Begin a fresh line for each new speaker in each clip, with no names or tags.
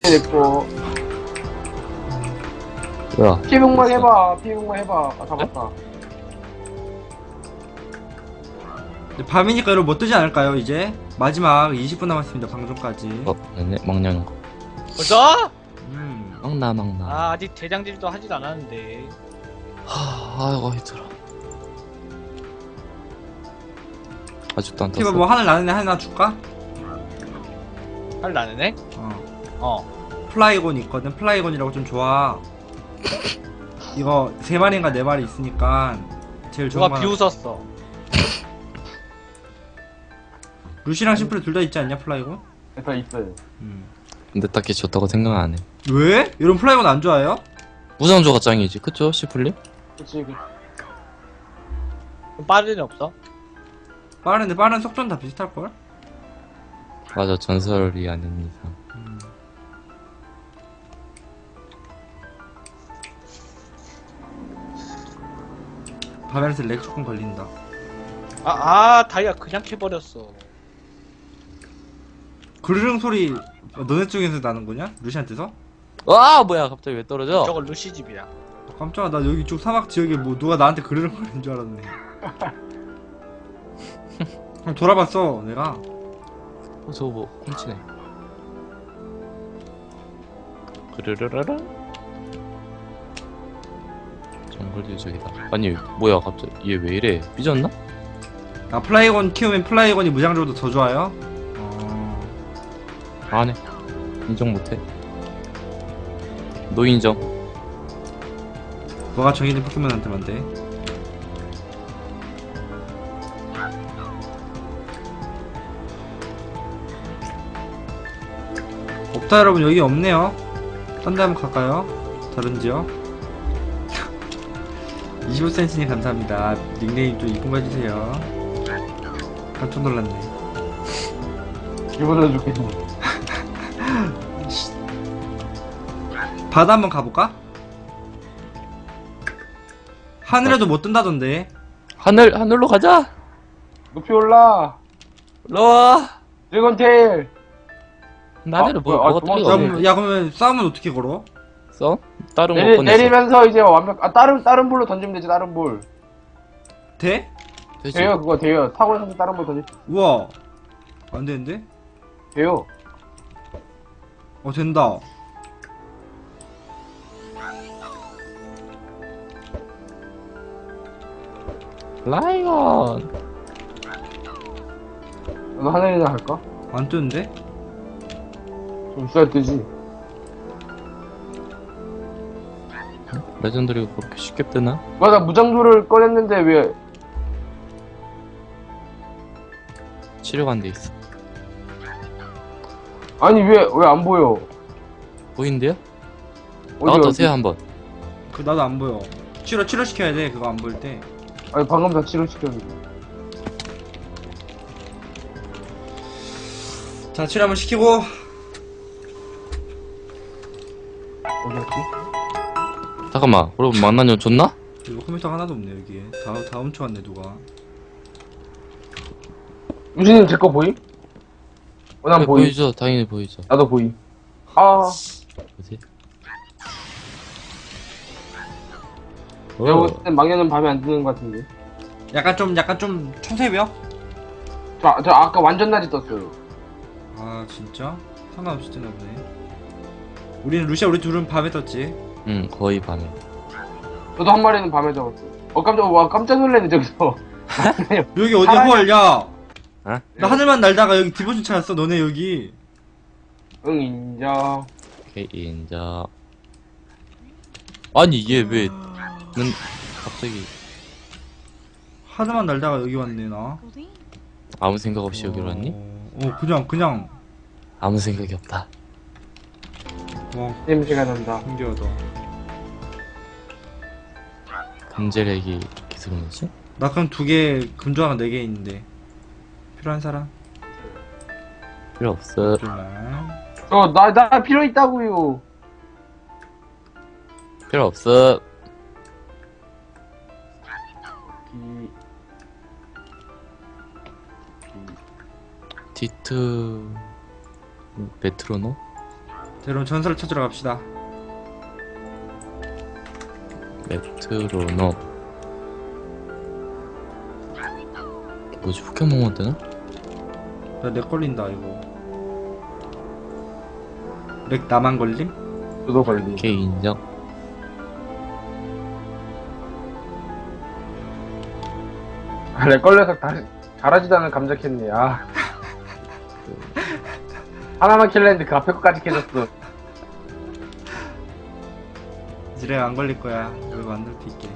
됐고.
뭐야?
피해복만 해봐. 피해복만 해봐. 아, 잡았다.
밤이니까 여러분 뭐 뜨지 않을까요 이제? 마지막 20분 남았습니다 방송까지.
네네, 막냐는 거.
벌써?
막나.
아, 아직 대장질도 하지도 않았는데.
아이고, 힘들어. 아직도 안
티바
떴어.
뭐 하늘 나는 애 하나 줄까?
할 나는네?
플라이곤 있거든. 플라이곤이라고 좀 좋아. 이거 3마리인가 4마리 있으니까 제일 좋은
누가
거
비웃었어.
루시랑 심플이 둘 다 있지 않냐 플라이곤?
다 있어요.
근데 딱히 좋다고 생각 안 해.
왜? 이런 플라이곤 안 좋아해요?
무장조가 짱이지, 그쵸? 시플리?
그치.
그럼 빠르는 없어?
빠른데 빠른 속도는 다 비슷할걸?
맞아, 전설이 아닌 이상.
바벨에서 렉 조금 걸린다.
다이아 그냥 캐버렸어.
그르릉 소리 너네 쪽에서 나는 거냐? 루시한테서?
와, 뭐야, 갑자기 왜 떨어져?
저거 루시 집이야.
깜짝아 나 여기 쪽 사막 지역에 뭐 누가 나한테 그르릉 거리는 줄 알았네. 그럼 돌아봤어 내가.
저거 뭐, 훔치네. 그르르르르? 정글 유적이다. 아니, 뭐야, 갑자기. 얘 왜 이래? 삐졌나?
아 플라이곤 키우면 플라이곤이 무장적으로 더 좋아요?
안 해. 인정 못해. 노인정.
너가 정해진 포켓몬한테만 돼. 없다 여러분 여기 없네요. 딴 데 한번 갈까요? 다른 지역? 25cm님 감사합니다. 닉네임 좀 이쁜 거 해주세요. 깜짝 놀랐네.
기분은 좋겠네.
바다 한번 가볼까? 하늘에도 못 뜬다던데.
하늘로 가자!
높이 올라.
올라와!
드래곤테일.
나대로 뭐,
뭐야,
뭐가
도망쳐.
떨려?
야 그러면 싸움은 어떻게 걸어?
써? 다른 거 꺼냈어.
내리면서 이제 완벽. 다른 볼로 던지면 되지. 다른 볼.
돼?
되지.
돼요. 그거 돼요. 타고나서 다른 볼 던지.
우와 안 되는데?
돼요.
된다.
라이언!
너 하늘이나 할까?
안 뜨는데?
좀 있어야 뜨지.
레전드리가 그렇게 쉽게 뜨나?
맞아. 무장조를 꺼냈는데 왜?
치료가 안 돼 있어.
아니 왜 안 보여?
보이는데요?
어디
나갔다
어디?
오세요, 한번.
그 나도 안 보여. 치료시켜야 돼 그거 안 보일 때.
아니 방금 다 치료시켰는데.
자 치료 한번 시키고.
어디였지?
잠깐만, 그럼 만나년 줬나?
이거 컴퓨터가 하나도 없네 여기에. 다 훔쳐왔네 누가.
유진님 제 거 보임? 난
그래,
보임.
보이죠? 당연히 보이죠.
나도 보임. 아,
뭐지?
내가 봤을 땐 막내는 밤에 안 뜨는 것 같은데.
약간 좀 초새벽?
저 아까 완전 낮이 떴어요.
아 진짜? 상관없이 뜨나 보네. 우리 둘은 밤에 떴지.
응, 거의 밤에.
저도 한 마리는 밤에 잡았어. 깜짝 놀랐네 저기서.
여기 어디야
사람이-
헐 야.
어?
나 하늘만 날다가 여기 디보션 찾았어 너네 여기.
응 인정.
오케이, 인정. 아니, 얘 왜, 는, 갑자기,
하늘만 날다가 여기 왔네 나.
아무 생각 없이 여기로 왔니?
그냥.
아무 생각이 없다.
와
냄새가 난다.
신기하다.
금제렉이 이렇게 들어오지?
나 그럼 2개 금조화가 4개 있는데 필요한 사람?
필요 없어.
정말.
나 필요 있다고요.
필요 없어. 디트 메트로노?
여러분 전설을 찾으러 갑시다.
메트로놈. 뭐지, 포켓몬 뜨나?
나렉 걸린다 이거. 렉 나만 걸림?
저도 걸리.
오케이, 인정.
렉 걸려서 다시 잘하지도 않은 감자 캤네. 아. 하나만 킬려 했는데 그 앞에 거까지 캐졌어.
이제 렉 안 걸릴 거야. 여기 만들 수 있게.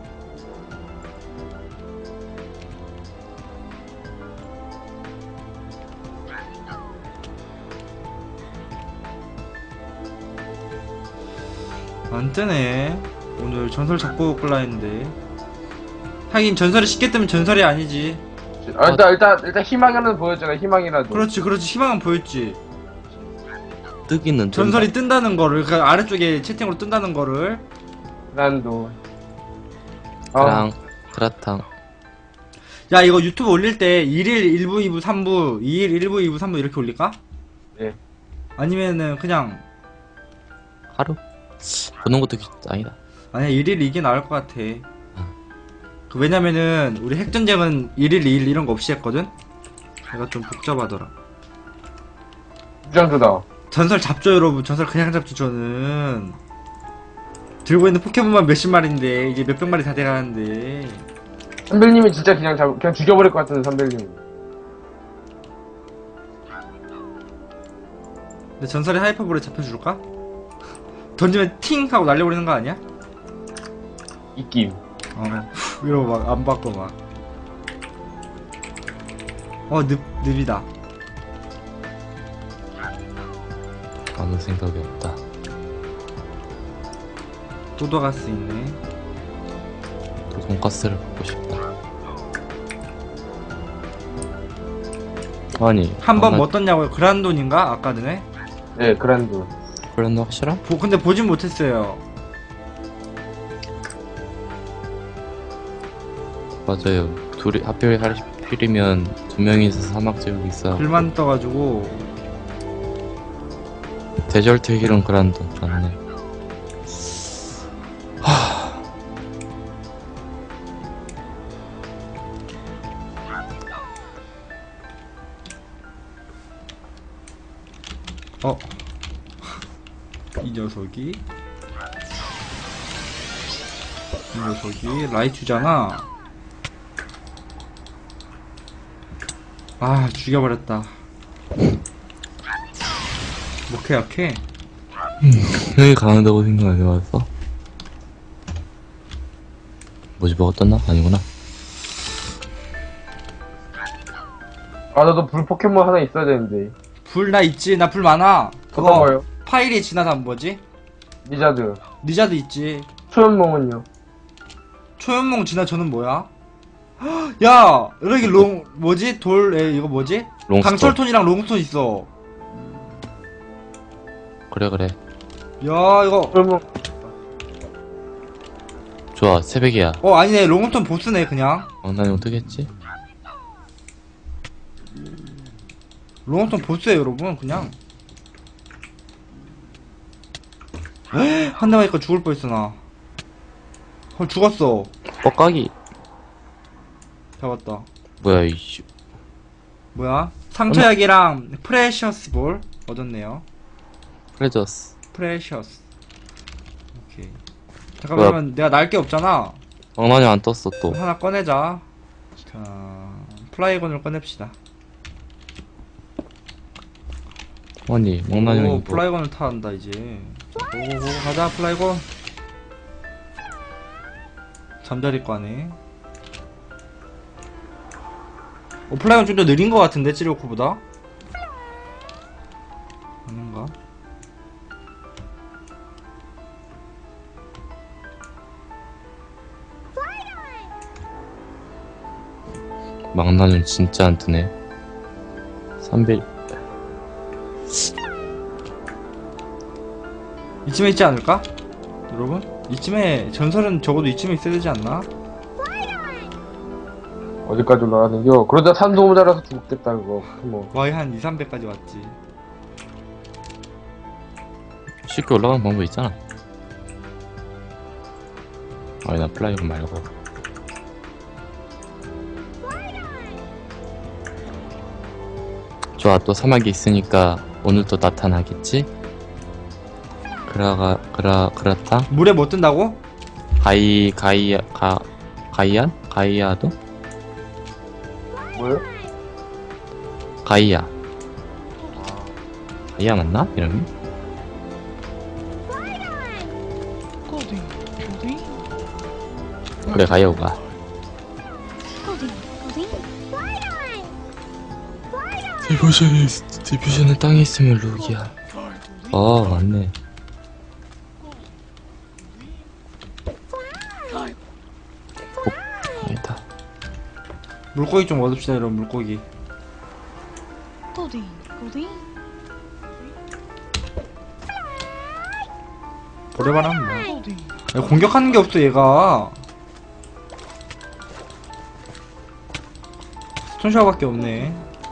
안 뜨네. 오늘 전설 잡고 끌라 했는데. 하긴 전설이 쉽게 뜨면 전설이 아니지.
아, 일단 희망이라도 보여줘라. 희망이라도.
그렇지 희망은 보였지.
뜨기는
전설이 뜬다는 거를 그 아래쪽에 채팅으로 뜬다는 거를.
난도.
그랑 그라탕.
야 이거 유튜브 올릴 때 1일 1부 2부 3부 2일 1부 2부 3부 이렇게 올릴까?
예.
아니면은 그냥
하루? 보는 것도 아니다.
아니야 1일 이게 나을 것 같아. 그 왜냐면은 우리 핵전쟁은 1일 2일 이런 거 없이 했거든? 내가 좀 복잡하더라.
주장주다.
전설 잡죠 여러분. 전설 그냥 잡죠 저는. 들고 있는 포켓몬만 몇십 마리인데 이제 몇백 마리 다 돼가는데.
선배님이 진짜 그냥 죽여버릴 것 같은 선배님.
근데 전설의 하이퍼볼에 잡혀줄까? 던지면 팅 하고 날려버리는 거 아니야?
입김.
이러고 막 안 받고 막. 늪이다.
아무 생각이 없다.
도도가스 있네.
또 돈가스를 먹고 싶다. 아니
한 번
나-
뭐 떴냐고요? 그란돈인가? 아까 전에?
예, 그란도.
그랜드 확실함?
근데 보진 못했어요.
맞아요. 둘이 하필 하필이면 두 명이서 사막 제국이 있어.
글만 떠가지고.
데절트 힐은 그란드 맞네.
이 녀석이 라이츄잖아. 아 죽여버렸다. 뭐게 약해?
여기 가는다고 생각 안 해봤어? 뭐지, 뭐가 떴나? 아니구나.
아, 나도 불 포켓몬 하나 있어야 되는데.
불 나 있지. 나 불 많아.
어떤
그거
거요?
파일이 지나다 뭐지?
리자드.
리자드 있지.
초연몽은요?
초연몽 지나저는 뭐야? 헉, 야 여기 뭐지? 이거 뭐지?
롱스톤.
강철톤이랑 롱스톤 있어.
그래.
야 이거
초연몽.
좋아, 새벽이야.
아니네. 롱스톤 보스네 그냥.
왕난용 뜨겠지?
롱스톤 보스예요 여러분. 그냥 한 대만 있고 죽을 뻔했어 나. 헐 죽었어.
뻑가기.
잡았다.
뭐야, 이씨.
뭐야? 상처약이랑 프레셔스 볼 얻었네요.
프레저스.
프레셔스. 오케이. 잠깐만 그러면 내가 날 게 없잖아.
왕난용 안 떴어, 또.
하나 꺼내자. 자 플라이건을 꺼냅시다.
아니, 왕난용이 뭐.
플라이건을 타야 한다 이제. 자, 고고고 가자 플라이건. 잠자리 과네. 플라이건 좀 더 느린 것 같은데 찌르코보다? 아닌가?
망나뇽 진짜 안 뜨네. 3빌.
이쯤에 있지 않을까? 여러분? 이쯤에 전설은 적어도 이쯤에 있어야 되지 않나?
어디까지 올라가는겨? 그러다 산소 모자라서 죽겠다, 그거. 뭐.
거의 한 2, 300까지 왔지.
쉽게 올라가는 방법 있잖아. 아니 나 플라이어 말고. 좋아, 또 사막이 있으니까 오늘 또 나타나겠지? 그렇다.
물에 못 뜬다고?
가이아도?
뭐요?
가이아 맞나? 이름이? 그래, 가이아가. 디퓨전은 땅에 있으면 룩이야. 맞네. 아니다.
물고기 좀 얻읍시다, 여러분. 물고기. 오래만 하면 뭐. 야, 공격하는 게 없어, 얘가. 손샤워밖에 없네.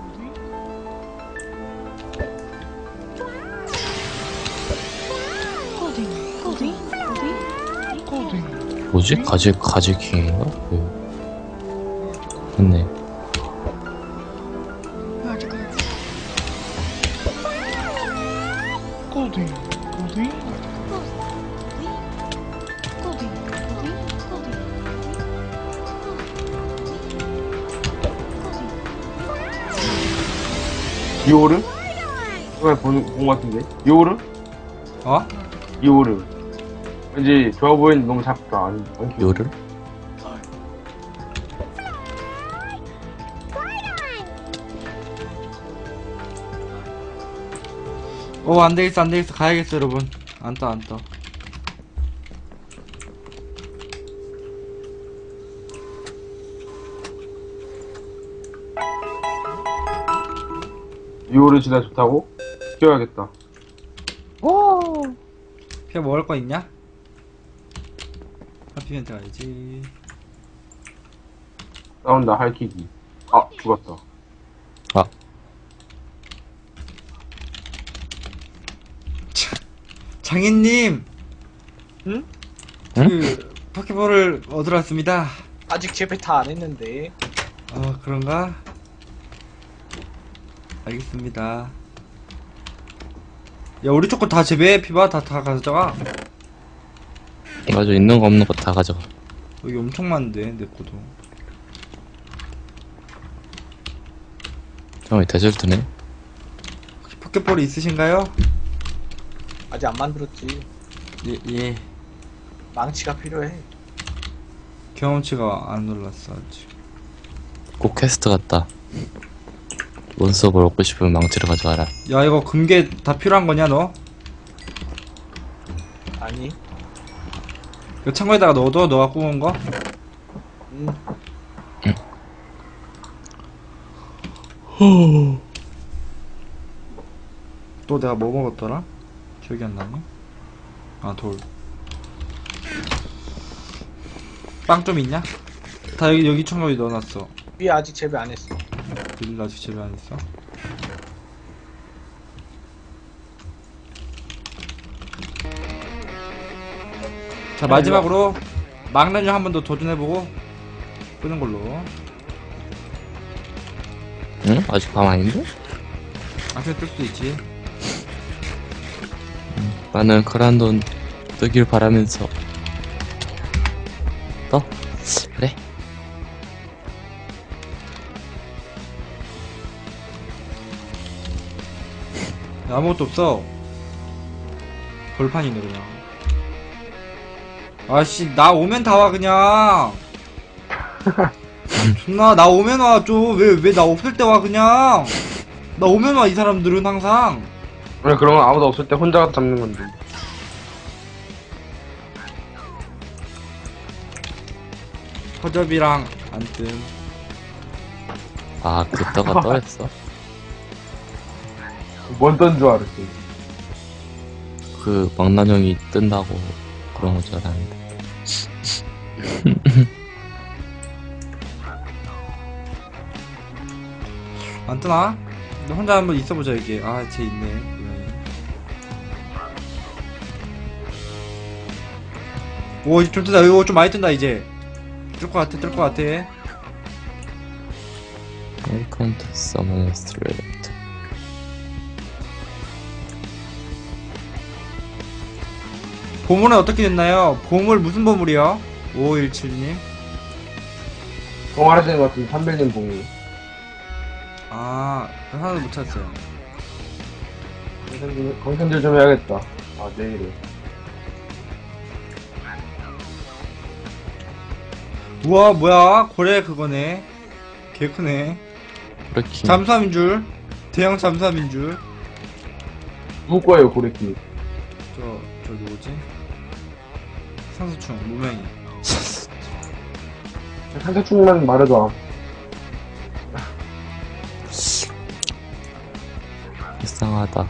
뭐지? 가지킹인가? 맞네.
이오름? 이번에 본것 같은데? 이오름?
어?
이오름. 왠지 좋아 보이는데 너무 작다. 아니,
요를?
안되겠어, 안되겠어. 가야겠어, 여러분. 안 떠.
이오름 진짜 좋다고? 시켜야겠다.
피가 먹을 거 있냐? 하피멘트 가야지.
싸운다, 할키기. 아, 죽었다.
장인님!
응?
그, 포켓볼을 얻으러 왔습니다.
아직 재배 다 안 했는데.
그런가? 알겠습니다. 야, 우리 초코 다 재배해, 피바. 다 가져가.
맞아, 있는 거 없는 거 다 가져가.
여기 엄청 많은데, 내 거도.
데절트네.
혹시 포켓볼이 있으신가요?
아직 안 만들었지.
예.
망치가 필요해.
경험치가 안 올랐어, 아직.
꼭 퀘스트 같다. 몬스터볼 얻고 싶으면 망치를 가져와라.
야, 이거 금괴 다 필요한 거냐, 너?
아니.
이거 창고에다가 넣어둬, 너가 구운 거? 또 내가 뭐 먹었더라? 기억이 안 나네. 돌. 빵 좀 있냐? 다 여기 창고에 넣어놨어.
위에 아직 재배 안 했어.
일 아직 재배 안 했어? 자, 마지막으로 망나뇽 한 번 더 도전해보고 끄는 걸로.
응? 아직 밤 아닌데?
그냥 뜰 수도 있지.
나는 크란돈 뜨길 바라면서 떠? 그래.
야, 아무것도 없어. 벌판이네 그냥. 아씨, 나 오면 다 와 그냥. 존나 나 오면 와 좀. 왜 나 없을 때 와 그냥. 나 오면 와 이 사람들은 항상.
그래, 그러면 아무도 없을 때 혼자 가서 잡는 건데.
허접이랑 안뜸.
그 떠가 떠였어?
뭔 줄 알았지.
그 망나뇽이 뜬다고 그런 거 줄 알았는데.
안 뜨나? 너 혼자 한번 있어보자 여기. 쟤 있네. 오, 좀 뜬다. 이거 좀 많이 뜬다, 이제. 뜰 것 같아, 뜰 것 같아.
Welcome to Summoner Street.
보물은 어떻게 됐나요? 보물 무슨 보물이요? 5517님.
동아리 것 같은 300년 봉이.
아, 하나도 못 찾았어요.
강선질 좀 해야겠다. 아, 내일은.
우와, 뭐야? 고래 그거네. 개 크네.
그렇게.
잠수함인 줄. 대형 잠수함인 줄.
누구 거예요, 고래키?
저 누구지? 상수충, 무명이.
산사충만 말해도
불쌍하다.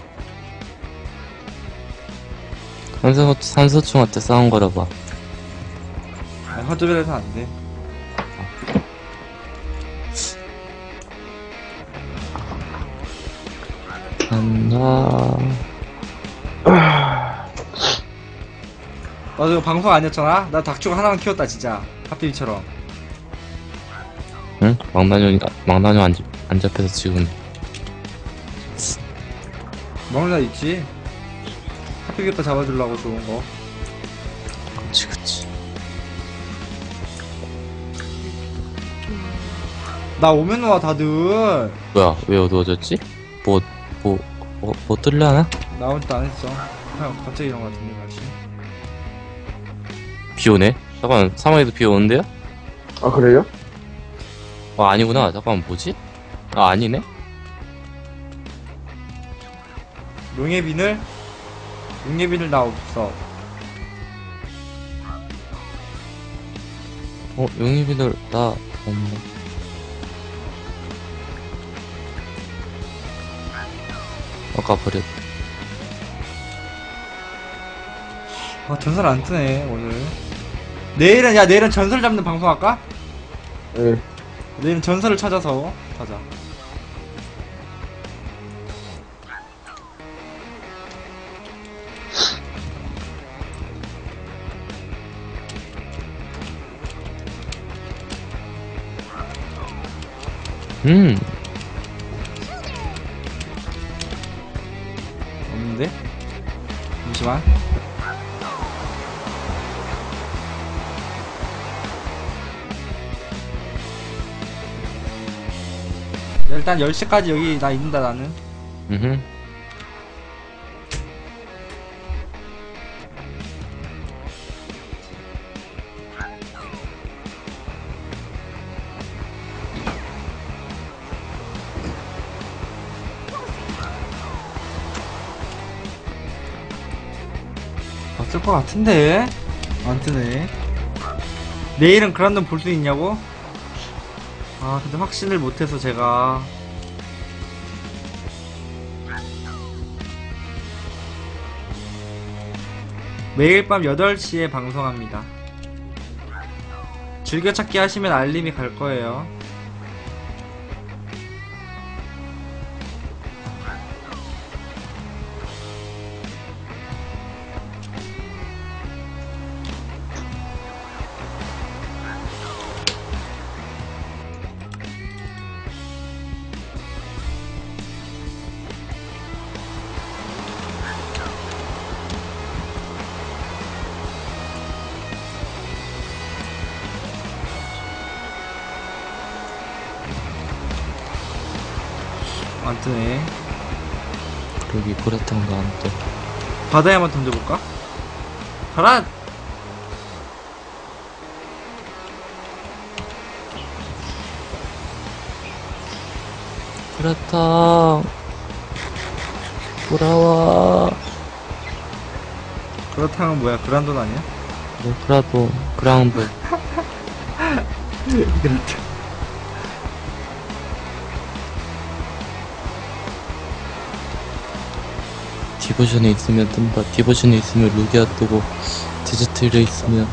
산소충한테 싸운 거라 봐.
아, 화조별에서 안 돼.
간다.
나도 이거 방송 아니었잖아? 나 닭죽 하나만 키웠다, 진짜. 하필이처럼.
응? 망나뇽 안 잡혀서 지금.
먹는 날 있지? 하필이니까 잡아주려고 좋은 거.
그치.
나 오면 와, 다들.
뭐야, 왜 어두워졌지? 뭐 뜰려나?
나 혼자 안 했어. 그냥 갑자기 이런 거 같은데, 날씨.
비 오네? 잠깐, 사막에도 비 오는데요?
아, 그래요?
아, 아니구나. 잠깐, 뭐지? 아, 아니네?
용예빈을 나 없어.
용의비들, 나, 없네. 아까 버렸.
아, 전설 안 뜨네, 오늘. 내일은 전설 잡는 방송 할까?
예.
내일은 전설을 찾아서 가자. 없는데? 잠시만. 일단 10시까지 여기 나 있는다, 나는.
음흠.
없을 것 같은데? 안 뜨네. 내일은 그란돈 볼 수 있냐고? 아, 근데 확신을 못해서 제가. 매일 밤 8시에 방송합니다. 즐겨찾기 하시면 알림이 갈 거예요. 안 뜨네.
그러기 고래탕도 안 떠.
바다에 한번 던져볼까? 가라!
고래탕 돌아와.
그렇다면 뭐야? 그란돈 아니야?
그라도 그라운드.
그렇다.
디보션에 있으면 뜬다. 디보션에 있으면 루기아 뜨고, 디저트에 있으면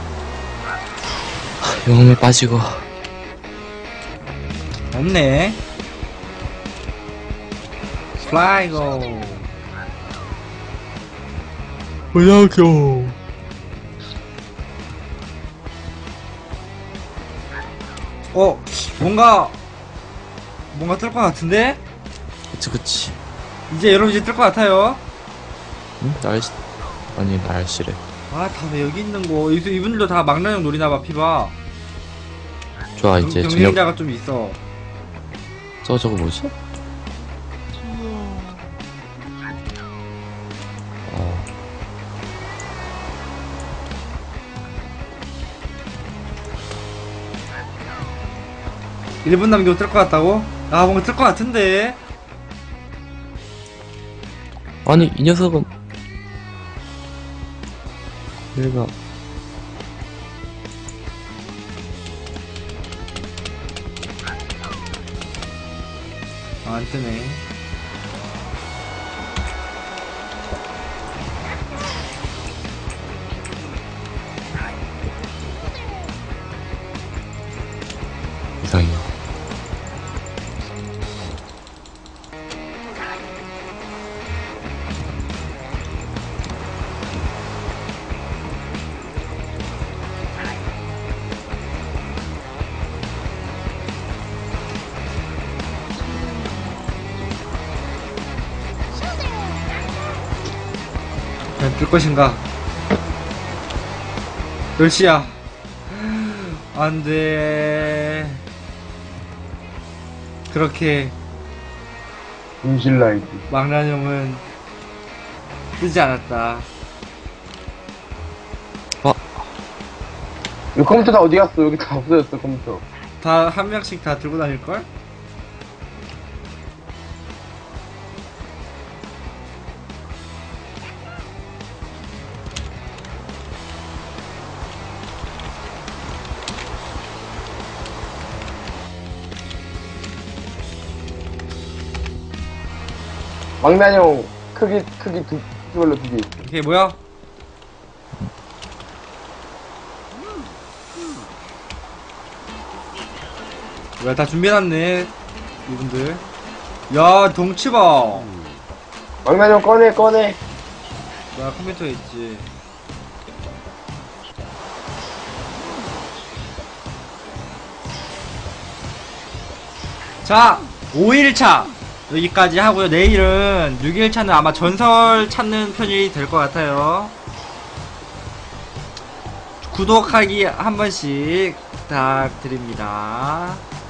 영웅에 빠지고.
없네. 플라이고.
뭐야교.
뭔가 뜰 것 같은데?
그치.
이제 여러분 이제 뜰 것 같아요.
응? 아니, 날씨래.
아, 다 왜 여기 있는 거? 이분들도 다 망나뇽 노리나봐, 피봐.
좋아, 이제 저녁.
경쟁자가 좀 있어.
저거 뭐지? 어,
1분 남기고 뜰 것 같다고? 아, 뭔가 뜰 것 같은데?
아니, 이 녀석은. 얘가.
아, 안 뜨네.
이상해요.
과연 뜰 것인가? 10시야. 안 돼. 그렇게
임실라이트.
망나뇽은 뜨지 않았다.
이 컴퓨터 다 어디 갔어? 여기 다 없어졌어, 컴퓨터.
다 한 명씩 다 들고 다닐걸?
망나뇽 크기 이걸로 2개 있어.
오케이, 뭐야? 뭐야, 다 준비해놨네, 이분들. 야, 덩치 봐.
망나뇽 꺼내.
뭐야, 컴퓨터에 있지. 자, 5일차 여기까지 하고요. 내일은 6일차는 아마 전설 찾는 편이 될 것 같아요. 구독하기 한 번씩 부탁드립니다.